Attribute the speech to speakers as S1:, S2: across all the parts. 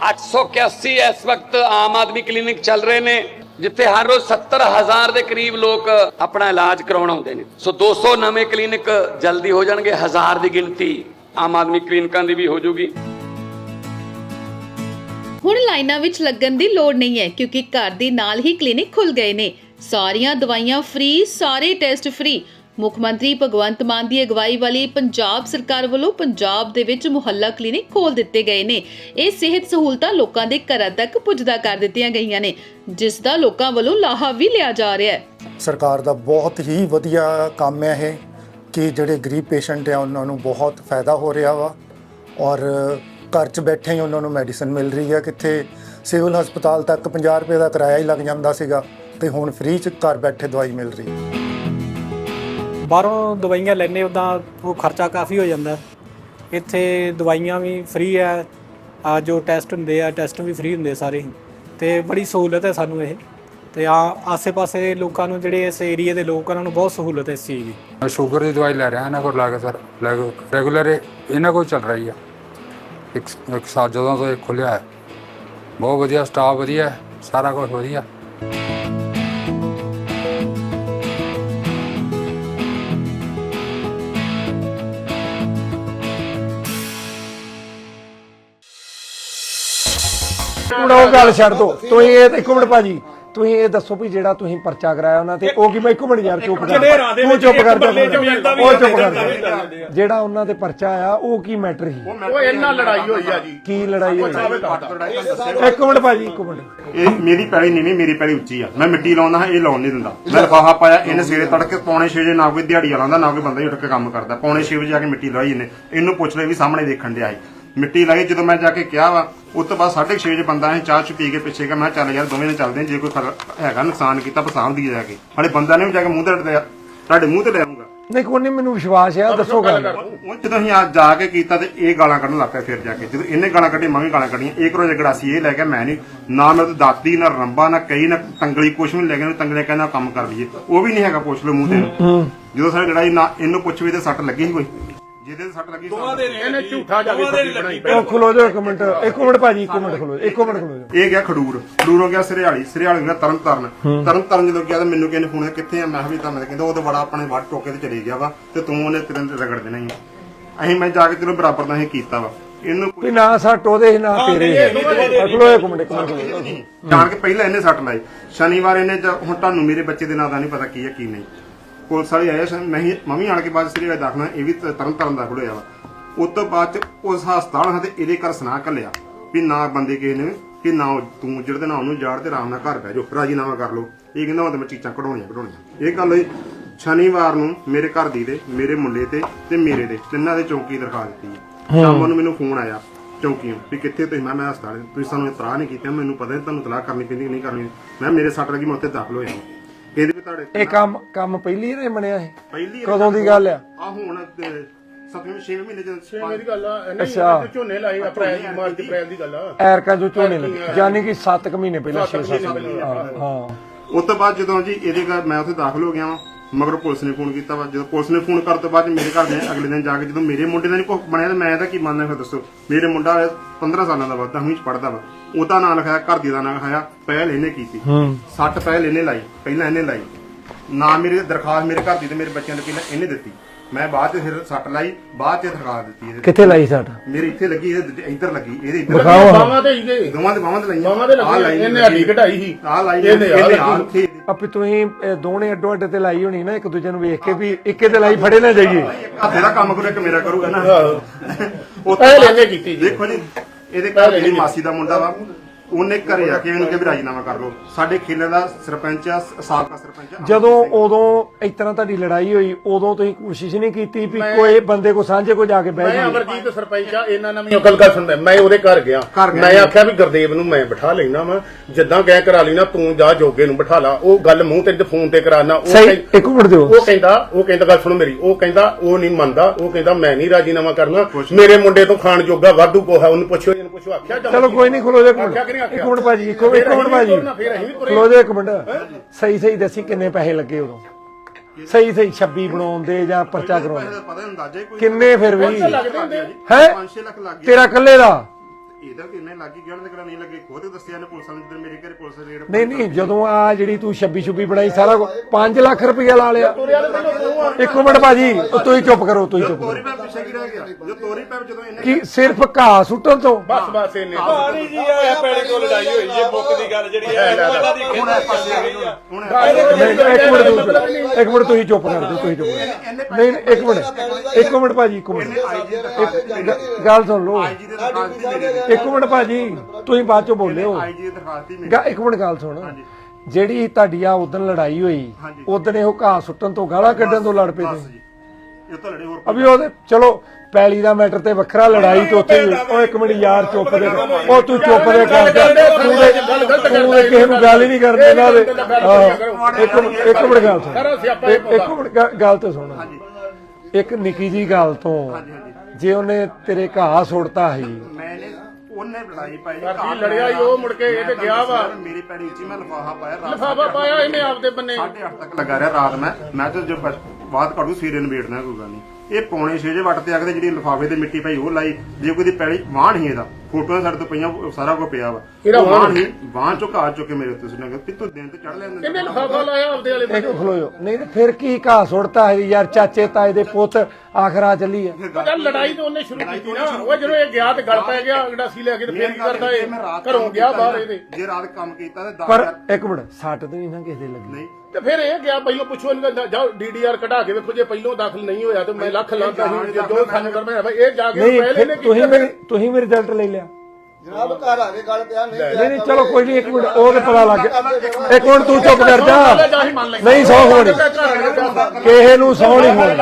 S1: 881 इस वक्त आम आदमी क्लिनिक चल रहे ने जिथे हर रोज 70,000 के करीब लोग अपना इलाज करवाउण आउंदे ने। सो 200 नवे क्लिनिक जल्दी हो जाणगे, 1000 की गिनती आम आदमी क्लिनिकां दी भी हो जूगी।
S2: ਹੁਣ ਲਾਈਨਾਂ ਵਿੱਚ ਲੱਗਣ ਦੀ ਲੋੜ ਨਹੀਂ ਹੈ ਕਿਉਂਕਿ ਘਰ ਦੇ ਨਾਲ ਹੀ ਕਲੀਨਿਕ ਖੁੱਲ ਗਏ ਨੇ। ਸਾਰੀਆਂ ਦਵਾਈਆਂ ਫ੍ਰੀ, ਸਾਰੇ ਟੈਸਟ ਫ੍ਰੀ। ਮੁੱਖ ਮੰਤਰੀ ਭਗਵੰਤ ਮਾਨ ਦੀ ਅਗਵਾਈ ਵਾਲੀ ਪੰਜਾਬ ਸਰਕਾਰ ਵੱਲੋਂ ਪੰਜਾਬ ਦੇ ਵਿੱਚ ਮੁਹੱਲਾ ਕਲੀਨਿਕ ਖੋਲ ਦਿੱਤੇ ਗਏ ਨੇ। ਇਹ ਸਿਹਤ ਸਹੂਲਤਾਂ ਲੋਕਾਂ ਦੇ ਘਰਾਂ ਤੱਕ ਪੁੱਜਦਾ ਕਰ ਦਿੱਤੀਆਂ ਗਈਆਂ ਨੇ, ਜਿਸ ਦਾ ਲੋਕਾਂ ਵੱਲੋਂ ਲਾਹਾ ਵੀ ਲਿਆ ਜਾ ਰਿਹਾ ਹੈ।
S3: ਸਰਕਾਰ ਦਾ ਬਹੁਤ ਹੀ ਵਧੀਆ ਕੰਮ ਹੈ ਇਹ ਕਿ ਜਿਹੜੇ ਗਰੀਬ ਪੇਸ਼ੈਂਟ ਆ ਉਹਨਾਂ ਨੂੰ ਬਹੁਤ ਫਾਇਦਾ ਹੋ ਰਿਹਾ ਵਾ ਔਰ ਘਰ 'ਚ ਬੈਠੇ ਹੀ ਉਹਨਾਂ ਨੂੰ ਮੈਡੀਸਨ ਮਿਲ ਰਹੀ ਹੈ। ਕਿੱਥੇ ਸਿਵਲ ਹਸਪਤਾਲ ਤੱਕ 50 ਰੁਪਏ ਦਾ ਕਿਰਾਇਆ ਹੀ ਲੱਗ ਜਾਂਦਾ ਸੀਗਾ ਤੇ ਹੁਣ ਫ੍ਰੀ 'ਚ ਘਰ ਬੈਠੇ ਦਵਾਈ ਮਿਲ ਰਹੀ ਹੈ।
S4: ਬਾਹਰੋਂ ਦਵਾਈਆਂ ਲੈਣੇ ਉੱਦਾਂ ਉਹ ਖਰਚਾ ਕਾਫੀ ਹੋ ਜਾਂਦਾ। ਇੱਥੇ ਦਵਾਈਆਂ ਵੀ ਫ੍ਰੀ ਹੈ, ਜੋ ਟੈਸਟ ਹੁੰਦੇ ਆ ਟੈਸਟ ਵੀ ਫ੍ਰੀ ਹੁੰਦੇ ਸਾਰੇ, ਤੇ ਬੜੀ ਸਹੂਲਤ ਹੈ ਸਾਨੂੰ ਇਹ। ਤੇ ਆਸੇ-ਪਾਸੇ ਲੋਕਾਂ ਨੂੰ ਜਿਹੜੇ ਇਸ ਏਰੀਏ ਦੇ ਲੋਕ ਉਹਨਾਂ ਨੂੰ ਬਹੁਤ ਸਹੂਲਤ ਹੈ ਇਸ ਚੀਜ਼ ਦੀ।
S5: ਮੈਂ ਸ਼ੂਗਰ ਦੀ ਦਵਾਈ ਲੈ ਰਿਹਾ ਇਹਨਾਂ ਕੋਲ ਲਾ ਕੇ ਸਰ, ਰੈਗੂਲਰ ਇਹਨਾਂ ਕੋਲ ਚੱਲ ਰਹੀ ਆ। ਇੱਕ ਸਾਲ ਜਦੋਂ ਤੋਂ ਇਹ ਖੁੱਲਿਆ ਹੈ, ਬਹੁਤ ਵਧੀਆ ਸਟਾਫ, ਵਧੀਆ ਸਾਰਾ ਕੁਝ ਵਧੀਆ।
S3: ਉਹ ਗੱਲ ਛੱਡ ਦੋ, ਤੁਸੀਂ ਇਹ ਇੱਕ ਮਿੰਟ ਭਾਜੀ, ਤੁਸੀਂ ਇਹ ਦੱਸੋ ਵੀ ਜਿਹੜਾ ਤੁਸੀਂ ਪਰਚਾ ਕਰਾਇਆ ਉਹਨਾਂ ਤੇ ਉਹ ਕੀ, ਮੈਂ ਇੱਕ ਮਿੰਟ ਯਾਰ ਚੁੱਪ ਕਰ, ਉਹ ਚੁੱਪ ਕਰ ਜਾ, ਉਹ ਚੁੱਪ ਕਰ। ਜਿਹੜਾ ਉਹਨਾਂ ਤੇ ਪਰਚਾ ਆਇਆ ਉਹ ਕੀ ਮੈਟਰ ਸੀ?
S6: ਉਹ ਇਹਨਾਂ ਲੜਾਈ ਹੋਈ ਆ ਜੀ।
S3: ਕੀ ਲੜਾਈ ਹੋਈ? ਇੱਕ ਮਿੰਟ ਭਾਜੀ, ਇੱਕ ਮਿੰਟ।
S6: ਇਹ ਮੇਰੀ ਪੈਲੀ ਨੀਵੀਂ, ਮੇਰੀ ਪੈਲੀ ਉੱਚੀ ਆ। ਮੈਂ ਮਿੱਟੀ ਲਾਉਂਦਾ ਹਾਂ, ਇਹ ਲਾਉਣ ਨਹੀਂ ਦਿੰਦਾ। ਮੈਂ ਲਿਫਾਫਾ ਪਾਇਆ, ਇਹਨੇ ਸਵੇਰੇ ਤੜਕੇ 6:45 ਵਜੇ ਨਾ ਕੋਈ ਦਿਹਾੜੀ ਲਾਉਂਦਾ ਨਾ ਕੋਈ ਬੰਦਾ ਹੀ ਉੱਠ ਕੇ ਕੰਮ ਕਰਦਾ। 6:45 ਵਜੇ ਜਾ ਕੇ ਮਿੱਟੀ ਲਾਈ ਇਹਨੇ। ਇਹਨੂੰ ਪੁੱਛ ਲੈ ਵੀ ਸਾਹਮਣੇ ਦੇਖਣ ਡਿਆ ਸੀ ਮਿੱਟੀ ਲਾਈ। ਜਦੋਂ ਮੈਂ ਜਾ ਕੇ ਕਿਹਾ ਵਾ ਉਸ ਤੋਂ ਬਾਅਦ 6:30 ਵਜੇ ਬੰਦਾ ਅਸੀਂ ਚਾਹ ਚ ਪੀ ਕੇ ਪਿੱਛੇ ਗਿਆ। ਮੈਂ ਚੱਲ ਯਾਰ ਦੋਵੇਂ ਨੇ ਚੱਲਦੇ, ਜੇ ਕੋਈ ਹੈਗਾ ਨੁਕਸਾਨ ਕੀਤਾ ਪਸਾਮ ਦੀ ਜਾ ਕੇ। ਹਾਲੇ ਬੰਦਾ ਨੇ ਵੀ ਜਾ ਕੇ ਮੂੰਹ ਤੇ ਤੁਹਾਡੇ ਮੂੰਹ ਤੇ ਲੈ ਆਉਂਗਾ।
S3: ਨਹੀਂ ਕੋਈ ਨਹੀਂ, ਮੈਨੂੰ ਵਿਸ਼ਵਾਸ ਆ, ਦੱਸੋ ਗੱਲ।
S6: ਉਹ ਜਦੋਂ ਅਸੀਂ ਅੱਜ ਜਾ ਕੇ ਕੀਤਾ ਤੇ ਇਹ ਗਾਲਾਂ ਕੱਢਣ ਲੱਗ ਪਿਆ। ਫਿਰ ਜਾ ਕੇ ਜਦੋਂ ਇਹਨੇ ਗਾਲਾਂ ਕੱਢੀ, ਮੈਂ ਵੀ ਗਾਲਾਂ ਕੱਢੀਆਂ। ਇੱਕ ਰੋਜ਼ ਗੜਾਸੀ ਇਹ ਲੈ ਗਿਆ, ਮੈਂ ਨਹੀਂ ਨਾ ਮੇਰੇ ਤੋਂ ਦਾਤੀ ਨਾ ਰੰਬਾ ਨਾ ਕਈ ਨਾ ਤੰਗਲੀ ਕੁਛ ਵੀ ਲੈ ਗਿਆ। ਤੰਗਲੇ ਕਹਿੰਦਾ ਕੰਮ ਕਰ ਲਈਏ, ਉਹ ਵੀ ਨਹੀਂ ਹੈਗਾ। ਪੁੱਛ ਲਓ ਮੂੰਹ ਤੇ। ਜਦੋਂ ਸਾਡੀ ਲੜਾਈ ਨਾ ਇਹਨੂੰ ਪੁੱਛ ਵੀ ਤੇ ਸੱਟ ਲੱਗੀ ਸੀ ਕੋਈ, ਜਿਹਦੇ ਸੱਟ ਲੱਗੀ ਇਹਨੇ ਝੂਠਾ ਜਾ ਕੇ ਬਣਾਈ।
S3: ਖਲੋ ਜਾਓ ਇੱਕ ਮਿੰਟ, ਇੱਕ ਮਿੰਟ ਭਾਜੀ, ਇੱਕ ਮਿੰਟ ਖਲੋ, ਇੱਕ ਮਿੰਟ ਖਲੋ ਜਾਓ।
S6: ਇਹ ਗਿਆ ਖਡੂਰ, ਖਡੂਰੋਂ ਗਿਆ ਸਰਿਆਲੀ, ਸਰਿਆਲੀ ਗਿਆ ਤਰਨਤਾਰਨ ਜਦੋਂ ਗਿਆ ਤਾਂ ਮੈਨੂੰ ਕਹਿੰਦੇ ਫੋਨ ਕਿੱਥੇ ਆ? ਮੈਂ ਕਿਹਾ ਵੀ ਤਾਂ ਮੈਂ ਕਹਿੰਦਾ ਉਹ ਤਾਂ ਬੜਾ ਆਪਣੇ ਵੱਟ ਟੋਕੇ ਤੇ ਚਲੇ ਗਿਆ ਵਾ ਤੇ ਤੂੰ ਉਹਨੇ ਤੇਰੇ ਰਗੜ ਦੇਣਾ ਹੀ। ਅਸੀਂ ਮੈਂ ਜਾ ਕੇ ਤੈਨੂੰ ਬਰਾਬਰ ਦਾ ਅਸੀਂ ਕੀਤਾ ਵਾ। ਇਹਨੂੰ
S3: ਵੀ ਨਾ ਸੱਟ ਉਹਦੇ ਨਾ ਤੇਰੇ। ਖਲੋ ਇੱਕ ਮਿੰਟ, ਇੱਕ ਮਿੰਟ।
S6: ਜਾਣ ਕੇ ਪਹਿਲਾਂ ਇਹਨੇ ਸੱਟ ਲਾਈ। ਸ਼ਨੀਵਾਰ ਇਹਨੇ ਹੁਣ ਤੁਹਾਨੂੰ ਮੇਰੇ ਬੱਚੇ ਦੇ ਨਾਂ ਦਾ ਨਹੀਂ ਪਤਾ ਕੀ ਹੈ ਕੀ ਨਹੀਂ। ਪੁਲਿਸ ਵਾਲੇ ਆਏ, ਮੈਂ ਵੀ ਆਣ ਕੇ ਬਾਅਦ ਸਰੀਆ ਦਾਖਲਾ, ਇਹ ਵੀ ਤਰਨਤਾਰਨ ਦਾਖਲ ਹੋਇਆ ਵਾ। ਉਸ ਤੋਂ ਬਾਅਦ ਉਸ ਹਸਪਤਾਲ ਤੇ ਇਹਦੇ ਘਰ ਸੁਣਾ ਘੱਲਿਆ ਵੀ ਨਾ ਬੰਦੇ ਕਿਸੇ ਨੇ ਕਿ ਨਾ ਤੂੰ ਜਿਹੜੇ ਨਾ ਉਹਨੂੰ ਜਾੜ ਤੇ ਆਰਾਮ ਨਾਲ ਘਰ ਬਹਿ ਜਾਓ, ਰਾਜੀਨਾਮਾ ਕਰ ਲਓ। ਇਹ ਕਹਿੰਦਾ ਮੈਂ ਚੀਜ਼ਾਂ ਕਢਾਉਣੀਆਂ। ਇਹ ਗੱਲ ਹੋਈ ਸ਼ਨੀਵਾਰ ਨੂੰ ਮੇਰੇ ਘਰ ਦੀ ਤੇ ਮੇਰੇ ਮੁੰਡੇ ਤੇ ਮੇਰੇ ਦੇ ਤਿੰਨਾਂ ਦੇ ਚੌਂਕੀ ਦਰਖਾਸਤ ਦਿੱਤੀ ਹੈ। ਸ਼ਾਮ ਨੂੰ ਮੈਨੂੰ ਫੋਨ ਆਇਆ ਚੌਂਕੀਓਂ ਵੀ ਕਿੱਥੇ ਤੁਸੀਂ? ਮੈਂ ਹਸਪਤਾਲ। ਤੁਸੀਂ ਸਾਨੂੰ ਇਤਲਾਹ ਨਹੀਂ ਕੀਤਾ। ਮੈਨੂੰ ਪਤਾ ਨਹੀਂ ਤੁਹਾਨੂੰ ਇਤਲਾਹ ਕਰਨੀ ਪੈਂਦੀ ਨਹੀਂ ਕਰਨੀ। ਮੈਂ ਮੇਰੇ ਸੱਟ ਲੱਗੀ, ਮੈਂ ਉੱਥੇ ਦਾਖਲ ਹੋਇਆ। ਕਹਿੰਦੇ ਵੀ ਤੁਹਾਡੇ
S3: ਇਹ ਕੰਮ ਪਹਿਲੀ ਇਹਨੇ ਬਣਿਆ ਇਹ?
S6: ਪਹਿਲੀ
S3: ਕਦੋਂ ਦੀ ਗੱਲ ਆ?
S6: ਹੁਣ 7-6 ਮਹੀਨੇ ਜਦੋਂ
S7: 6 ਦੀ ਗੱਲ ਆ।
S3: ਅੱਛਾ,
S7: ਝੋਨੇ ਲਾਏ ਅਪ੍ਰੈਲ ਦੀ, ਮਾਰਚ ਅਪ੍ਰੈਲ ਦੀ ਗੱਲ ਆ।
S3: ਐਰਕਾ ਜੋ ਝੋਨੇ ਲੱਗੇ, ਯਾਨੀ ਕਿ 7 ਮਹੀਨੇ ਪਹਿਲਾਂ, 6-7 ਮਹੀਨੇ। ਹਾਂ।
S6: ਉਸ ਤੋਂ ਬਾਅਦ ਜਦੋਂ ਜੀ ਇਹਦੇ ਘਰ ਮੈਂ ਉੱਥੇ ਦਾਖਲ ਹੋ ਗਿਆ ਵਾਂ, ਮਗਰ ਪੁਲਿਸ ਨੇ ਫੋਨ ਕੀਤਾ ਵਾ। ਜਦੋਂ ਪੁਲਿਸ ਨੇ ਫੋਨ ਕਰਨ ਤੋਂ ਬਾਅਦ ਮੇਰੇ ਘਰ ਦੇ ਅਗਲੇ ਦਿਨ ਜਾ ਕੇ ਜਦੋਂ ਮੇਰੇ ਮੁੰਡੇ ਦਾ ਨਹੀਂ ਕੁਝ ਬਣਿਆ ਤਾਂ ਮੈਂ ਤਾਂ ਕੀ ਮੰਨਦਾ? ਫਿਰ ਦੱਸੋ। ਮੇਰੇ ਮੁੰਡਾ 15 ਸਾਲਾਂ ਦਾ ਵਾ, 10ਵੀਂ ਚ ਪੜਦਾ ਵਾ। ਉਹਦਾ ਨਾਂ ਲਿਖਾਇਆ, ਘਰ ਦੀ ਦਾ ਨਾਂ ਲਿਖਾਇਆ। ਪਹਿਲ ਇਹਨੇ ਕੀਤੀ, 60 ਪਹਿਲ ਇਹਨੇ ਲਾਈ। ਪਹਿਲਾਂ ਇਹਨੇ ਲਾਈ ਨਾ ਮੇਰੀ ਦਰਖਾਸਤ ਮੇਰੇ ਘਰ ਦੀ ਤੇ ਮੇਰੇ ਬੱਚਿਆਂ ਦੇ ਪਹਿਲਾਂ ਇਹਨੇ ਦਿੱਤੀ। ਮੈਂ ਬਾਅਦ ਚ ਫਿਰ ਸੱਟ ਲਾਈ, ਬਾਅਦ ਚ ਦਰਖਾਸਤ ਦਿੱਤੀ।
S3: ਕਿੱਥੇ ਲਾਈ ਸੱਟ?
S6: ਮੇਰੇ ਇੱਥੇ ਲੱਗੀ, ਇਹਦੇ ਇੱਧਰ ਲੱਗੀ, ਇਹਦੇ ਇੱਧਰ
S7: ਬਾਹਾਂ ਤੇ ਹੀ
S6: ਦੋਵਾਂ ਦੇ ਬਾਹਾਂ ਤੇ ਲਾਈਆਂ।
S7: ਬਾਹਾਂ ਤੇ ਲੱਗੀ, ਇਹਨੇ ਹੱਡੀ ਘਟਾਈ ਸੀ।
S6: ਆਹ ਲਾਈ ਇਹਨੇ
S3: ਆਪੇ ਤੁਸੀਂ ਦੋਨੇ ਅੱਡੋ ਅੱਡ ਤੇ ਲਾਈ ਹੋਣੀ ਨਾ, ਇੱਕ ਦੂਜੇ ਨੂੰ ਵੇਖ ਕੇ ਵੀ ਇੱਕੇ ਤੇ ਲਾਈ, ਫੜੇ ਨਾ ਜਾਈਏ।
S6: ਹੱਥੇ ਦਾ ਕੰਮ ਕਰੂ, ਇੱਕ ਮੇਰਾ ਕਰੂਗਾ ਨਾ।
S7: ਪਹਿਲ ਇਹਨੇ ਕੀਤੀ ਜੀ।
S6: ਦੇਖੋ ਜੀ, ਇਹਦੇ ਘਰ ਮੇਰੀ ਮਾਸੀ ਦਾ ਮੁੰਡਾ ਵਾ। ਉਹਨੇ ਘਰੇ ਆ ਕੇ ਇਹਨੂੰ ਕਿਹਾ ਵੀ ਰਾਜੀਨਾਮਾ ਕਰ ਲਓ। ਸਾਡੇ ਖੇਲੇ ਦਾ ਸਰਪੰਚ ਆ, ਸਾਬਕਾ ਸਰਪੰਚ ਆ।
S3: ਜਦੋਂ ਉਦੋਂ ਇਸ ਤਰ੍ਹਾਂ ਤੁਹਾਡੀ ਲੜਾਈ ਹੋਈ, ਉਦੋਂ ਤੁਸੀਂ ਕੋਸ਼ਿਸ਼ ਨਹੀਂ ਕੀਤੀ ਵੀ ਕੋਈ ਬੰਦੇ ਕੋ ਸਾਂਝੇ ਕੋ ਜਾ ਕੇ ਬਹਿ
S7: ਮੈਂ
S3: ਜਾਈਏ?
S7: ਅਮਰਜੀਤ ਸਰਪੰਚ ਆ, ਇਹਨਾਂ ਨਾਲ ਵੀ ਅਕਲ ਕਰ ਸੁਣਦਾ। ਮੈਂ ਉਹਦੇ ਘਰ ਗਿਆ, ਮੈਂ ਆਖਿਆ ਵੀ ਗੁਰਦੇਵ ਨੂੰ ਮੈਂ ਬਿਠਾ ਲੈਣਾ ਵਾ, ਜਿੱਦਾਂ ਕਹਿ ਕਰਾ ਲੈਣਾ, ਤੂੰ ਜਾ ਜੋਗੇ ਨੂੰ ਬਿਠਾ ਲਾ। ਉਹ ਗੱਲ ਮੂੰਹ ਤੇ ਫੋਨ ਤੇ ਕਰਾਣਾ।
S3: ਇੱਕ ਮਿੰਟ ਦਿਓ।
S7: ਉਹ ਕਹਿੰਦਾ ਗੱਲ ਸੁਣੋ ਮੇਰੀ। ਉਹ ਕਹਿੰਦਾ ਉਹ ਨਹੀਂ ਮੰਨਦਾ। ਉਹ ਕਹਿੰਦਾ ਮੈਂ ਨਹੀਂ ਰਾਜੀਨਾਮਾ ਕਰਨਾ। ਮੇਰੇ ਮੁੰਡੇ ਤੋਂ ਖਾਣ ਜੋਗਾ ਵਾਧੂ ਕੋਹਾ। ਉਹਨੂੰ ਪੁੱਛੋ, ਇਹਨੂੰ ਪੁੱਛੋ। ਆਖਿਆ
S3: ਚਲੋ ਕੋਈ ਨਹੀਂ, ਖਲੋ ਜਾ ਇੱਕ ਮਿੰਟ ਭਾਜੀ, ਇੱਕ ਮਿੰਟ ਭਾਜੀ, ਖਲੋ ਜਾ ਇੱਕ ਮਿੰਟ। ਸਹੀ ਦੱਸੀ ਕਿੰਨੇ ਪੈਸੇ ਲੱਗੇ ਉਦੋਂ? ਸਹੀ 26 ਬਣਾਉਣ ਦੇ ਜਾਂ ਪਰਚਾ ਕਰਾਉਣ ਦੇ ਕਿੰਨੇ? ਫਿਰ ਵੀ ਹੈ
S6: 5-6 ਲੱਖ ਲੱਗ ਗਿਆ।
S3: ਤੇਰਾ ਇਕੱਲੇ ਦਾ
S6: ਇਹਦਾ ਕਿੰਨੇ ਲੱਗੀ ਗਿਆ ਉਹਨਾਂ ਦੇ ਕਿਹੜਾ ਨਹੀਂ ਲੱਗੇ ਖੁਦ ਦੱਸਿਆ ਨੇ ਪੁਲਿਸ ਵਾਲਿਆਂ ਨੇ, ਜਦੋਂ ਮੇਰੇ ਘਰੇ ਪੁਲਿਸ ਰੇਡ
S8: ਨਹੀਂ ਜਦੋਂ ਆ ਜਿਹੜੀ ਤੂੰ 26 ਬਣਾਈ ਸਾਰਾ 5 ਲੱਖ ਰੁਪਇਆ ਲਾ ਲਿਆ। ਇੱਕ ਮਿੰਟ ਭਾਜੀ ਤੁਸੀਂ ਚੁੱਪ ਕਰੋ, ਤੁਸੀਂ ਚੁੱਪ
S6: ਤੋਰੀ
S8: ਕਰੋ।
S6: ਪੈਪ ਪਿੱਛੇ ਕੀ ਰਹਿ ਗਿਆ ਜੋ ਤੋਰੀ ਪੈਪ ਜਦੋਂ ਇਹਨੇ
S8: ਕੀ ਸਿਰਫ ਘਾਹ ਸੁੱਟਣ ਤੋਂ?
S7: ਬਸ ਇਹਨੇ
S9: ਪਾਣੀ ਜੀ ਆ ਪੈੜੇ ਕੋਲ ਲੜਾਈ ਹੋਈ ਹੈ ਮੁੱਕ ਦੀ ਗੱਲ ਜਿਹੜੀ ਹੈ ਉਹਨਾਂ ਦੀ
S6: ਹੁਣ ਇਹ ਪਾਸੇ ਆ ਗਈ ਹੁਣ
S8: ਇੱਕ ਮਿੰਟ ਤੁਸੀਂ ਚੁੱਪ ਕਰ ਦਿਓ, ਤੁਸੀਂ ਚੁੱਪ ਕਰੋ। ਨਹੀਂ ਇੱਕ ਮਿੰਟ ਭਾਜੀ, ਇੱਕ ਮਿੰਟ ਗੱਲ ਸੁਣ ਲਓ।
S6: ਆਈਜੀ ਦੇ ਦਰਖਾਸਤ ਹੀ ਮੇਰੇ
S8: ਇੱਕ ਮਿੰਟ ਭਾਜੀ ਤੁਸੀਂ ਬਾਅਦ ਚੋਂ ਬੋਲਿਓ।
S6: ਆਈਜੀ ਦੀ ਦਰਖਾਸਤ ਹੀ ਮੇਰੇ
S8: ਇੱਕ ਮਿੰਟ ਗੱਲ ਸੁਣ। ਜਿਹੜੀ ਤੁਹਾਡੀ ਆ ਉਦੋਂ ਲੜਾਈ ਹੋਈ, ਉਦੋਂ ਇਹੋ ਘਾਹ ਸੁੱਟਣ ਤੋਂ ਗਾਲਾਂ ਕੱਢਣ ਤੋਂ ਲੜ ਪਏ
S6: ਬਸ
S8: ਤੇ
S6: ਜੀ ਇਹ ਤਾਂ ਲੜੇ ਹੋਰ
S8: ਅਭੀ ਉਹਦੇ ਚਲੋ ਪੈਲੀ ਦਾ ਮੈਟਰ ਤੇ ਵੱਖਰਾ, ਲੜਾਈ ਤੇ ਉੱਥੇ ਉਹ ਇੱਕ ਮਿੰਟ ਯਾਰ ਚੁੱਪ ਦੇ, ਉਹ ਤੂੰ ਚੁੱਪ ਦੇ ਕਰ, ਤੂੰ ਕਿਸੇ ਨੂੰ ਗੱਲ ਹੀ ਨਹੀਂ ਕਰਦੇ ਇਹਨਾਂ ਦੇ। ਇੱਕ ਮਿੰਟ ਗੱਲ ਸੁਣ, ਇੱਕ ਮਿੰਟ ਗੱਲ ਤੇ ਸੁਣ। ਇੱਕ ਨਿੱਕੀ ਜੀ ਗੱਲ ਤੋਂ ਜੇ ਉਹਨੇ ਤੇਰੇ ਘਾਹ ਸੁੱਟਤਾ ਸੀ,
S6: ਮੈਨੇ ਉਹਨੇ ਲੜਾਈ ਪਾਈ
S7: ਘਰ ਲੜਿਆ ਹੀ ਉਹ ਮੁੜ ਕੇ ਇਹ ਤੇ ਗਿਆ ਵਾ
S6: ਮੇਰੀ ਪੈੜੀ ਉੱਚੀ ਮੈਂ ਲਿਫਾਫਾ ਪਾਇਆ ਰਾਤ
S7: ਲਿਫਾਫਾ ਪਾਇਆ ਇਹਨੇ ਆਪਦੇ ਬੰਨੇ
S6: 8:30 ਤੱਕ ਲੱਗਾ ਰਿਹਾ ਰਾਤ ਮੈਂ ਤੇ ਜੋ ਬਾਤ ਕਰੂ ਸਵੇਰੇ ਨਿਬੇੜਨਾ ਕੋਈ ਗੱਲ ਨਹੀਂ। ਇਹ ਪੌਣੇ 6 ਵਜੇ ਵੱਟ ਤੇ ਆ ਕੇ ਜਿਹੜੀ ਲਿਫਾਫੇ ਤੇ ਮਿੱਟੀ ਪਾਈ ਉਹ ਲਾਈ। ਜੇ ਕੋਈ ਦੀ ਪੈੜੀ ਵਾਹਣ ਹੀ ਇਹਦਾ ਫੋਟੋਆਂ ਸਾਡੇ ਤੋਂ ਪਈਆਂ, ਸਾਰਾ ਕੁਝ ਪਿਆ ਵਾ। ਵਾਹਣ ਹੀ ਵਾਹਣ ਚੋਂ ਘਾਹ ਚੁੱਕ ਕੇ ਮੇਰੇ ਉੱਤੇ ਸੁਣਿਆ ਕਿ ਤੂੰ ਦਿਨ ਤੇ ਚੜ ਲੈਂਦੇ
S7: ਇਹਨੇ ਲਿਫਾਫਾ ਲਾਇਆ ਆਪਦੇ ਵਾਲੇ
S8: ਇੱਕ ਖਲੋਇਓ। ਨਹੀਂ ਤੇ ਫਿਰ ਕੀ ਘਾਹ ਸੁੱਟਤਾ ਹੈ ਯਾਰ, ਚਾਚੇ ਤਾਏ ਦੇ ਪੁੱਤ ਆਖਰਾ ਚੱਲੀ ਹੈ।
S7: ਚੱਲ ਲੜਾਈ ਤਾਂ ਉਹਨੇ ਸ਼ੁਰੂ ਕੀਤੀ ਨਾ, ਉਹ ਜਦੋਂ ਇਹ ਗਿਆ ਤੇ ਗਲ ਪੈ ਗਿਆ ਗੰਡਾਸੀ ਲੈ ਕੇ ਤੇ ਫੇਰ ਕੀ ਕਰਦਾ ਇਹ ਘਰੋਂ ਗਿਆ ਬਾਹਰ ਇਹਦੇ।
S6: ਜੇ ਰਾਤ ਕੰਮ ਕੀਤਾ ਤੇ
S8: ਪਰ ਇੱਕ ਮਿੰਟ ਸੱਟ ਤੇ ਨਹੀਂ ਨਾ ਕਿਸੇ ਦੇ ਲੱਗੀ।
S6: ਨਹੀਂ
S7: ਤੇ ਫਿਰ ਇਹ ਗਿਆ ਪਹਿਲਾਂ ਪੁੱਛੋ ਇਹਨੂੰ ਜਾਓ ਡੀਡੀਆਰ ਕਢਾ ਕੇ ਵੇਖੋ, ਜੇ ਪਹਿਲਾਂ ਦਾਖਲ ਨਹੀਂ ਹੋਇਆ ਤੇ ਮੈਂ ਲੱਖ ਲਾਂਦਾ ਸੀ ਜੋ ਸਾਨੂੰ ਕਰਨਾ ਹੈ। ਇਹ ਜਾ ਕੇ
S8: ਨਹੀਂ
S7: ਪਹਿਲੇ ਨੇ
S8: ਤੁਸੀਂ ਮੇਰੀ ਰਿਜ਼ਲਟ ਲੈ ਲਿਆ।
S10: ਜਨਾਬ ਘਰ ਆ ਕੇ ਗੱਲ ਪਿਆ
S8: ਨਹੀਂ ਚਲੋ ਕੋਈ ਨਹੀਂ, ਇੱਕ ਮਿੰਟ ਉਹ ਤੇ ਪਤਾ ਲੱਗ ਗਿਆ। ਇੱਕ ਮਿੰਟ ਤੂੰ ਚੁੱਪ ਕਰ ਜਾ। ਨਹੀਂ ਸੌ ਹੋਣੀ ਕਿਸੇ ਨੂੰ, ਸੌ ਨਹੀਂ ਹੋਣੀ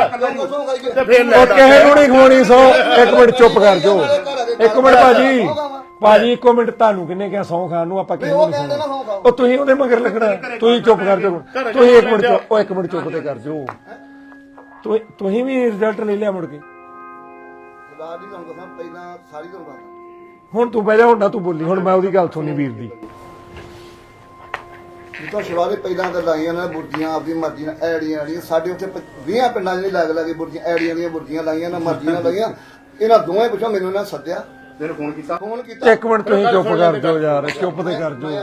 S8: ਉਹ ਕਿਸੇ ਨੂੰ ਨਹੀਂ ਖਵਾਉਣੀ ਸੌ। ਇੱਕ ਮਿੰਟ ਚੁੱਪ ਕਰ ਜਾਓ। ਇੱਕ ਮਿੰਟ ਭਾਜੀ ਇੱਕ ਮਿੰਟ, ਤੁਹਾਨੂੰ ਕਿੰਨੇ ਕਿਹਾ ਸੌ ਖਾਣ ਨੂੰ? ਆਪਾਂ ਕਿਸੇ ਨੂੰ ਨਹੀਂ ਖਾਣਾ। ਉਹ ਤੁਸੀਂ ਉਹਦੇ ਮਗਰ ਲੱਗਣਾ। ਤੁਸੀਂ ਚੁੱਪ ਕਰ ਜਾਓ। ਤੁਸੀਂ ਇੱਕ ਮਿੰਟ ਚੁੱਪ, ਉਹ ਇੱਕ ਮਿੰਟ ਚੁੱਪ ਤੇ ਕਰ ਜਾਓ। ਤੁਸੀਂ ਵੀ ਰਿਜ਼ਲਟ ਲੈ ਲਿਆ ਮੁੜ ਕੇ?
S10: ਸਰਦਾਰ ਜੀ ਤੁਹਾਨੂੰ ਦੱਸਾਂ ਪਹਿਲਾਂ ਸਾਰੀ ਤੁਹਾਨੂੰ ਦੱਸਾਂ
S8: ਹੁਣ ਤੂੰ ਬਹਿ ਜਾ, ਹੁਣ ਨਾ ਤੂੰ ਬੋਲੀ, ਹੁਣ ਮੈਂ ਉਹਦੀ ਗੱਲ ਸੁਣੀ ਵੀਰ ਦੀ।
S10: ਜਿੱਦਾਂ ਸ਼ਿਵਾਲੇ ਪਹਿਲਾਂ ਤਾਂ ਲਾਈਆਂ ਨੇ ਬੁਰਜੀਆਂ ਆਪਦੀ ਮਰਜ਼ੀ ਨਾਲ ਐੜੀਆਂ ਸਾਡੇ ਉੱਥੇ 20 ਪਿੰਡਾਂ ਜਿਹੜੇ ਲੱਗ ਲਾਗੇ ਬੁਰਜੀਆਂ ਐੜੀਆਂ ਦੀਆਂ ਬੁਰਜੀਆਂ ਲਾਈਆਂ ਨਾ ਮਰਜ਼ੀ ਨਾਲ ਲਾਈਆਂ। ਇਹਨਾਂ ਦੋਵੇਂ ਪਿੱਛੋਂ ਮੈਨੂੰ ਇਹਨਾਂ ਸੱਦਿਆ,
S6: ਤੈਨੂੰ ਫੋਨ ਕੀਤਾ
S8: ਇੱਕ ਮਿੰਟ ਤੁਸੀਂ ਚੁੱਪ ਕਰ ਜਾਓ ਯਾਰ, ਚੁੱਪ ਤੇ ਕਰ ਜਾਓ।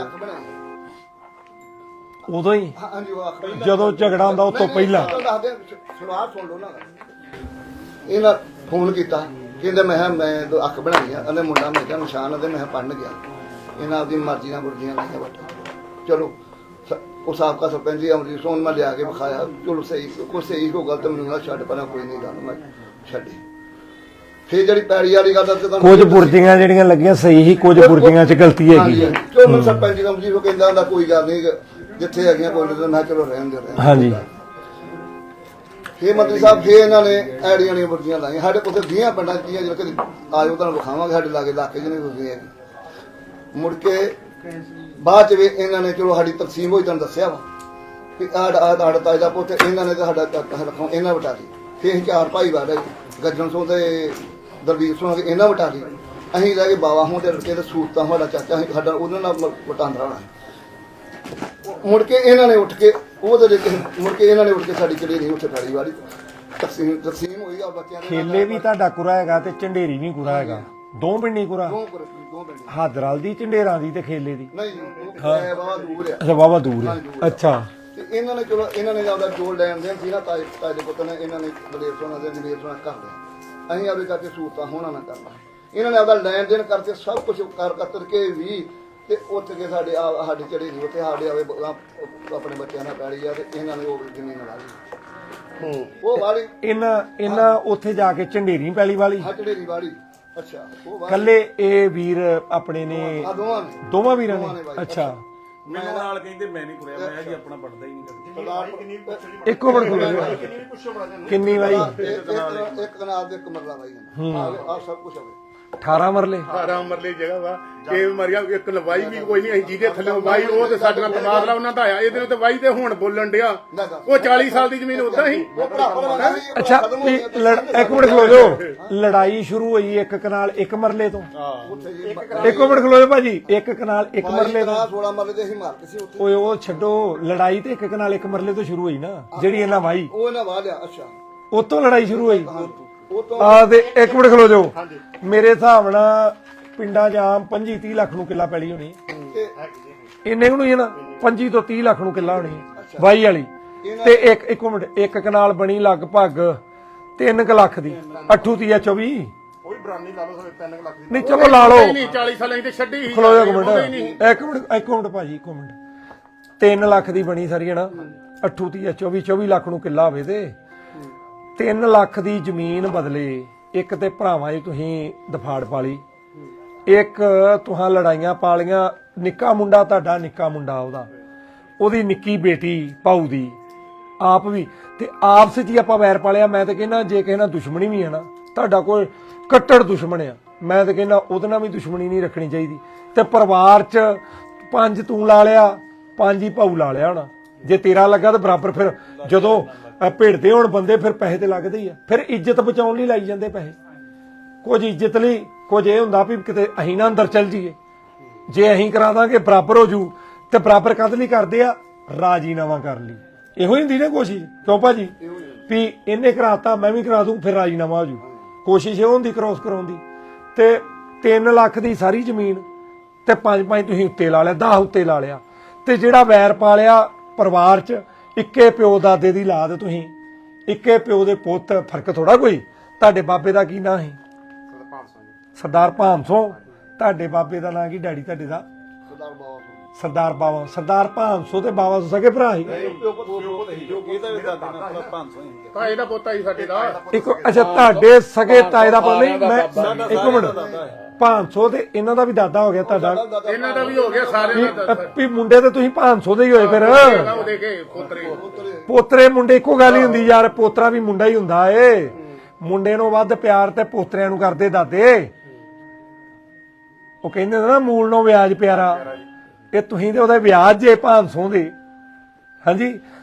S8: ਉਦੋਂ ਹੀ
S10: ਹਾਂਜੀ ਉਹ ਅੱਖ ਬਣਾਈ।
S8: ਜਦੋਂ ਝਗੜਾ ਹੁੰਦਾ ਉਸ ਤੋਂ ਪਹਿਲਾਂ
S10: ਸ਼ੁਰੂਆਤ ਸੁਣ ਲਓ ਨਾ। ਇਹਨਾਂ ਫੋਨ ਕੀਤਾ, ਕਹਿੰਦੇ ਮੈਂ ਕਿਹਾ ਮੈਂ ਅੱਖ ਬਣਾਈ ਆ, ਉਹਨੇ ਮੁੰਡਾ ਮੈਂ ਕਿਹਾ ਨਿਸ਼ਾਨ ਉਹਦੇ ਮੈਂ ਪੜਨ ਗਿਆ। ਇਹਨਾਂ ਆਪਦੀ ਮਰਜ਼ੀ ਨਾਲ ਬੁਰਜੀਆਂ ਲਾਈਆਂ ਬਟ ਚਲੋ ਉਹ ਸਾਬਕਾ ਸਰਪੰਚ ਜੀ ਅਮਰੀਕ ਸੋਨ ਮੈਂ ਲਿਆ ਕੇ ਵਿਖਾਇਆ। ਚਲੋ ਸਹੀ ਕੋਈ ਸਹੀ ਹੋ ਗਲਤ ਮੈਨੂੰ ਨਾ ਛੱਡ ਪਰਾਂ, ਕੋਈ ਨਹੀਂ ਗੱਲ ਮੈਂ ਛੱਡੀ। ਫੇਰ ਜਿਹੜੀ ਪੈੜੀ ਵਾਲੀ ਗੱਲ ਦੱਸ ਤੁਹਾਨੂੰ
S8: ਕੁਝ ਬੁਰਜੀਆਂ ਜਿਹੜੀਆਂ ਲੱਗੀਆਂ ਸਹੀ ਹੀ, ਕੁਝ ਬੁਰਜੀਆਂ 'ਚ ਗਲਤੀ ਹੈਗੀ।
S10: ਚਲੋ ਸਰਪੰਚ ਜੀ ਅਮਰੀਕ ਉਹ ਕਹਿੰਦਾ ਹੁੰਦਾ ਕੋਈ ਗੱਲ ਨਹੀਂ ਜਿੱਥੇ ਹੈਗੀਆਂ ਕੋਈ ਨਹੀਂ, ਮੈਂ ਚਲੋ ਰਹਿਣ ਦੇ ਰਿਹਾ।
S8: ਹਾਂਜੀ
S10: ਫੇਰ ਮੰਤਰੀ ਸਾਹਿਬ ਫੇਰ ਇਹਨਾਂ ਨੇ ਐੜੀਆਂ ਦੀਆਂ ਬੁਰਜੀਆਂ ਲਾਈਆਂ। ਸਾਡੇ ਕੋਲ 20 ਪਿੰਡਾਂ ਚ ਜਿਹੜਾ ਕਦੇ ਆਜੋ ਤੁਹਾਨੂੰ ਵਿਖਾਵਾਂਗੇ ਸਾਡੇ ਲਾਗੇ ਇਲਾਕੇ ਜਿਹਨੇ ਹੁੰਦੀਆਂ ਮੁੜ ਕੇ ਬਾਅਦ ਚ ਵੀ ਇਹਨਾਂ ਨੇ ਚਲੋ ਸਾਡੀ ਤਕਸੀਮ ਹੋਈ, ਤੁਹਾਨੂੰ ਦੱਸਿਆ ਵਾ ਕਿ ਆੜ ਤਾਜ ਦਾ ਪੁੱਤ ਇਹਨਾਂ ਨੇ ਤਾਂ ਸਾਡਾ ਰੱਖੋ ਇਹਨਾਂ ਵਟਾ ਲਈ। ਫੇਰ 4 ਭਾਈ ਵਾੜੇ ਗੱਜਣ ਸੋਂ ਤੇ ਦਰਬੀਰ ਸੋਂ ਇਹਨਾਂ ਵਟਾ ਲਈ। ਅਸੀਂ ਲੈ ਕੇ ਬਾਵਾ ਹੋਂ ਤੇ ਰਕੇ ਤੇ ਸੂਰਤਾਂ ਸਾਡਾ ਚਾਚਾ ਸਾਡਾ ਉਹਨਾਂ ਨਾਲ ਵਟਾਂਦਰਾ ਹੋਣਾ। ਮੁੜ ਕੇ ਇਹਨਾਂ ਨੇ ਉੱਠ ਕੇ ਮੁੜ ਕੇ ਇਹਨਾਂ ਨੇ ਉੱਠ ਕੇ ਸਾਡੀ ਚੜੀ ਨਹੀਂ ਉੱਥੇ ਫੜੀ ਵਾਲੀ ਤਕਸੀਮ ਹੋਈ ਆ ਬੱਚਿਆਂ ਦੇ
S8: ਖੇਲੇ ਵੀ ਤੁਹਾਡਾ ਕੁਰਾ ਹੈਗਾ ਤੇ ਝੰਡੇਰੀ ਵੀ ਕੁਰਾ ਹੈਗਾ, ਦੋ ਪਿੰਡੀ ਕੁਰਾ।
S10: ਦੋ ਪਿੰਡ
S8: ਹਾਦਰਲ ਦੀ, ਝੰਡੇਰਾਂ ਦੀ ਤੇ ਖੇਲੇ ਦੀ?
S10: ਨਹੀਂ ਇਹ ਬਾਬਾ ਦੂਰ ਆ।
S8: ਅੱਛਾ ਬਾਬਾ ਦੂਰ ਹੈ। ਅੱਛਾ
S10: ਤੇ ਇਹਨਾਂ ਨੇ ਚਲੋ ਇਹਨਾਂ ਨੇ ਆਪਦਾ ਜੋੜ ਲੈਣ ਦੇ ਸੀ ਨਾ ਤਾਏ ਦੇ ਪੁੱਤ ਨੇ, ਇਹਨਾਂ ਨੇ ਦਲੇਰ ਸੋਨਾ ਦੇ ਦਲੇਰ ਸੋਨਾ ਕਰ ਲਿਆ। ਅਸੀਂ ਆਪਦੇ ਕਰਕੇ ਸੂਰਤਾਂ ਹੋਣਾ ਨਾ ਕਰਨਾ। ਇਹਨਾਂ ਨੇ ਆਪਦਾ ਲੈਣ ਦੇਣ ਕਰਕੇ ਸਭ ਕੁਝ ਕਰ ਕੇ ਵੀ ਤੇ ਉੱਠ ਕੇ ਸਾਡੀ ਚੜੀ ਨਹੀਂ ਉੱਥੇ ਸਾਡੇ ਆਵੇ ਆਪਣੇ ਬੱਚਿਆਂ ਨਾਲ ਪੈੜੀ ਆ ਤੇ ਇਹਨਾਂ ਨੇ ਉਹ ਜ਼ਮੀਨ ਲਾ ਲਈ। ਉਹ ਵਾਲੀ
S8: ਇਹਨਾਂ ਉੱਥੇ ਜਾ ਕੇ ਝੰਡੇਰੀ ਪੈਲੀ ਵਾਲੀ
S10: ਢੇਰੀ ਵਾਲੀ। ਅੱਛਾ ਉਹ ਵਾਲੀ
S8: ਕੱਲੇ ਇਹ ਵੀਰ ਆਪਣੇ ਨੇ
S10: ਆ
S8: ਦੋਵਾਂ ਵੀਰਾਂ ਨੇ? ਅੱਛਾ
S9: ਮੈਨੂੰ ਨਾਲ ਕਹਿੰਦੇ ਮੈਂ ਨਹੀਂ ਕੁੜਿਆ, ਮੈਂ ਜੀ ਆਪਣਾ ਪੜਦਾ ਹੀ ਨਹੀਂ ਕਰਦਾ।
S8: ਇੱਕੋ ਮਿੰਟ ਕਿੰਨੀ ਵਾਰੀ?
S10: ਇੱਕ ਕਨਾਲ ਦੇ ਇੱਕ ਮਰਲਾ ਬਾਈ ਆ ਸਭ ਕੁਝ ਹੋਵੇ
S8: 18 ਮਰਲੇ
S7: 18 ਮਰਲੇ ਜਗ੍ਹਾ ਵਾ। ਇਹ ਮਰਿਆ ਇੱਕ ਲਵਾਈ ਵੀ ਕੋਈ ਨਹੀਂ, ਅਸੀਂ ਜਿਹਦੇ ਥੱਲੇ ਵਾਈ ਉਹ ਤੇ ਸਾਡੇ ਨਾਲ ਤਬਾਦਲਾ ਉਹਨਾਂ ਦਾ ਆਇਆ। ਇਹਦੇ ਤੇ ਵਾਈ ਤੇ ਹੁਣ ਬੋਲਣ ਡਿਆ। ਉਹ 40 ਸਾਲ ਦੀ ਜ਼ਮੀਨ ਉਦਾਂ ਹੀ।
S8: ਅੱਛਾ ਇੱਕ ਮਿੰਟ ਖਲੋ ਜਾਓ। ਲੜਾਈ ਸ਼ੁਰੂ ਹੋਈ ਇੱਕ ਕਨਾਲ ਇੱਕ ਮਰਲੇ ਤੋਂ? ਇੱਕੋ ਮਿੰਟ ਖਲੋ ਜਾਓ ਭਾਜੀ। ਇੱਕ ਕਨਾਲ ਇੱਕ ਮਰਲੇ ਤੋਂ
S10: 16 ਮਰਲੇ ਦੇ ਅਸੀਂ ਮਾਰ ਕੇ ਸੀ ਉੱਥੇ।
S8: ਓਏ ਉਹ ਛੱਡੋ, ਲੜਾਈ ਤੇ ਇੱਕ ਕਨਾਲ ਇੱਕ ਮਰਲੇ ਤੋਂ ਸ਼ੁਰੂ ਹੋਈ ਨਾ, ਜਿਹੜੀ ਇਹਨਾਂ ਵਾਈ
S10: ਉਹ ਇਹਨਾਂ ਵਾਹ ਲਿਆ। ਅੱਛਾ
S8: ਉਤੋਂ ਲੜਾਈ ਸ਼ੁਰੂ ਹੋਈ।
S10: ਉਹ ਤੋਂ
S8: ਆ ਤੇ ਇੱਕ ਮਿੰਟ ਖਲੋ ਜਾਓ। ਮੇਰੇ ਹਿਸਾਬ ਨਾਲ ਪਿੰਡਾਂ 'ਚ ਆਮ 25-30 ਲੱਖ ਨੂੰ ਕਿੱਲਾ ਪੈਲੀ ਹੋਣੀ
S10: ਤੇ
S8: ਇੰਨੇ ਨੂੰ ਹੀ ਹੈ ਨਾ 25 ਤੋਂ 30 ਲੱਖ ਨੂੰ ਕਿੱਲਾ ਹੋਣੀ ਹੈ ਵਾਈ ਵਾਲੀ ਤੇ ਇੱਕ ਮਿੰਟ ਇੱਕ ਕਨਾਲ ਬਣੀ ਲਗਭਗ 3 ਲੱਖ ਦੀ 8 ਤੀਆ 24
S6: ਉਹ ਵੀ ਬਰਾਨੀ ਲਾ ਲਓ 3 ਲੱਖ ਦੀ
S8: ਨਹੀਂ ਚਲੋ ਲਾ ਲਓ
S7: ਨਹੀਂ 40 ਸਾਲਾਂ ਦੀ ਛੱਡੀ ਸੀ।
S8: ਖਲੋ ਜਾ ਇੱਕ ਮਿੰਟ ਭਾਜੀ ਇੱਕ ਮਿੰਟ 3 ਲੱਖ ਦੀ ਬਣੀ ਸਾਰੀ ਹੈ ਨਾ 8 ਤੀਆ 24 ਲੱਖ ਨੂੰ ਕਿੱਲਾ ਹੋਵੇ ਤੇ 3 ਲੱਖ ਦੀ ਜ਼ਮੀਨ ਬਦਲੇ ਇੱਕ ਤੇ ਭਰਾਵਾਂ 'ਚ ਤੁਸੀਂ ਦਫਾੜ ਪਾਲੀ ਇੱਕ ਤੁਹਾਂ ਲੜਾਈਆਂ ਪਾਲੀਆਂ ਨਿੱਕਾ ਮੁੰਡਾ ਤੁਹਾਡਾ ਨਿੱਕਾ ਮੁੰਡਾ ਉਹਦੀ ਨਿੱਕੀ ਬੇਟੀ ਭਾਊ ਦੀ ਆਪ ਵੀ ਤੇ ਆਪਸ 'ਚ ਹੀ ਆਪਾਂ ਵੈਰ ਪਾਲਿਆ। ਮੈਂ ਤਾਂ ਕਹਿੰਦਾ ਜੇ ਕਿਸੇ ਨਾਲ ਦੁਸ਼ਮਣੀ ਵੀ ਹੈ ਨਾ ਤੁਹਾਡਾ ਕੋਈ ਕੱਟੜ ਦੁਸ਼ਮਣ ਆ ਮੈਂ ਤਾਂ ਕਹਿੰਦਾ ਉਹਦੇ ਨਾਲ ਵੀ ਦੁਸ਼ਮਣੀ ਨਹੀਂ ਰੱਖਣੀ ਚਾਹੀਦੀ। ਤੇ ਪਰਿਵਾਰ 'ਚ 5 ਤੂੰ ਲਾ ਲਿਆ 5 ਹੀ ਭਾਊ ਲਾ ਲਿਆ ਹੋਣਾ ਜੇ ਤੇਰਾ ਲੱਗਾ ਤਾਂ ਬਰਾਬਰ ਫਿਰ ਜਦੋਂ ਭਿੜਦੇ ਹੋਣ ਬੰਦੇ ਫਿਰ ਪੈਸੇ ਤੇ ਲੱਗਦੇ ਹੀ ਆ। ਫਿਰ ਇੱਜ਼ਤ ਬਚਾਉਣ ਲਈ ਲਾਈ ਜਾਂਦੇ ਪੈਸੇ ਕੁਝ ਇੱਜ਼ਤ ਲਈ ਕੁਝ ਇਹ ਹੁੰਦਾ ਵੀ ਕਿਤੇ ਅਸੀਂ ਨਾ ਅੰਦਰ ਚੱਲ ਜਾਈਏ ਜੇ ਅਸੀਂ ਕਰਾ ਦਾਂਗੇ ਬਰਾਬਰ ਹੋ ਜੂ ਤੇ ਬਰਾਬਰ ਕਦ ਲਈ ਕਰਦੇ ਆ ਰਾਜੀਨਾਮਾ ਕਰਨ ਲਈ ਇਹੋ ਹੀ ਹੁੰਦੀ ਨਾ ਕੋਸ਼ਿਸ਼ ਕਿਉਂ ਭਾਜੀ ਵੀ ਇਹਨੇ ਕਰਾਤਾ ਮੈਂ ਵੀ ਕਰਾ ਦੂੰ ਫਿਰ ਰਾਜੀਨਾਮਾ ਹੋ ਜੂ ਕੋਸ਼ਿਸ਼ ਇਹ ਹੁੰਦੀ ਕ੍ਰੋਸ ਕਰਾਉਣ ਦੀ। ਤੇ 3 ਲੱਖ ਦੀ ਸਾਰੀ ਜ਼ਮੀਨ ਤੇ 5 ਤੁਸੀਂ ਉੱਤੇ ਲਾ ਲਿਆ 10 ਉੱਤੇ ਲਾ ਲਿਆ ਤੇ ਜਿਹੜਾ ਵੈਰ ਪਾਲਿਆ ਪਰਿਵਾਰ 'ਚ ਇੱਕੇ ਪਿਓ ਦਾਦੇ ਦੀ ਲਾਦ ਤੁਸੀਂ ਇੱਕੇ ਪਿਓ ਦੇ ਪੁੱਤ ਫਰਕ ਥੋੜਾ ਕੋਈ। ਤੁਹਾਡੇ ਬਾਬੇ ਦਾ ਕੀ ਨਾਂ ਸੀ ਸਰਦਾਰ ਭਾਮਸੋਂ ਤੁਹਾਡੇ ਬਾਬੇ ਦਾ ਨਾਂ ਕੀ ਡੈਡੀ ਤੁਹਾਡੇ ਦਾ ਸਰਦਾਰ ਭਾਮਸੋਂ ਤੇ ਬਾਬਾ ਸਕੇ ਭਰਾ ਸੀ
S7: ਤਾਏ ਦਾ ਪੋਤਾ ਹੀ ਸਾਡੇ ਦਾ
S8: ਇੱਕ ਅੱਛਾ ਤੁਹਾਡੇ ਸਕੇ ਤਾਏ ਦਾ ਪਤਾ ਨਹੀਂ ਮੈਂ ਇੱਕ ਮਿੰਟ 500 ਤੇ ਇਹਨਾਂ ਦਾ ਵੀ ਦਾਦਾ ਹੋ ਗਿਆ ਤੁਹਾਡਾ
S7: ਇਹਨਾਂ ਦਾ ਵੀ ਹੋ ਗਿਆ ਸਾਰਿਆਂ ਦਾ
S8: ਵੀ ਮੁੰਡੇ ਤੇ ਤੁਸੀਂ 500 ਦੇ ਹੀ ਹੋਏ ਫਿਰ
S7: ਉਹ ਦੇਖੇ ਪੋਤਰੇ
S8: ਪੋਤਰੇ ਮੁੰਡੇ ਇੱਕੋ ਗੱਲ ਹੀ ਹੁੰਦੀ ਯਾਰ ਪੋਤਰਾ ਵੀ ਮੁੰਡਾ ਹੀ ਹੁੰਦਾ ਏ ਮੁੰਡੇ ਨੂੰ ਵੱਧ ਪਿਆਰ ਤੇ ਪੋਤਰਿਆਂ ਨੂੰ ਕਰਦੇ ਦਾਦੇ ਉਹ ਕਹਿੰਦੇ ਨਾ ਮੂਲ ਨੂੰ ਵਿਆਜ ਪਿਆਰਾ ਇਹ ਤੁਸੀਂ ਤੇ ਉਹਦਾ ਵਿਆਜ ਜੇ 500 ਦੇ ਹਾਂਜੀ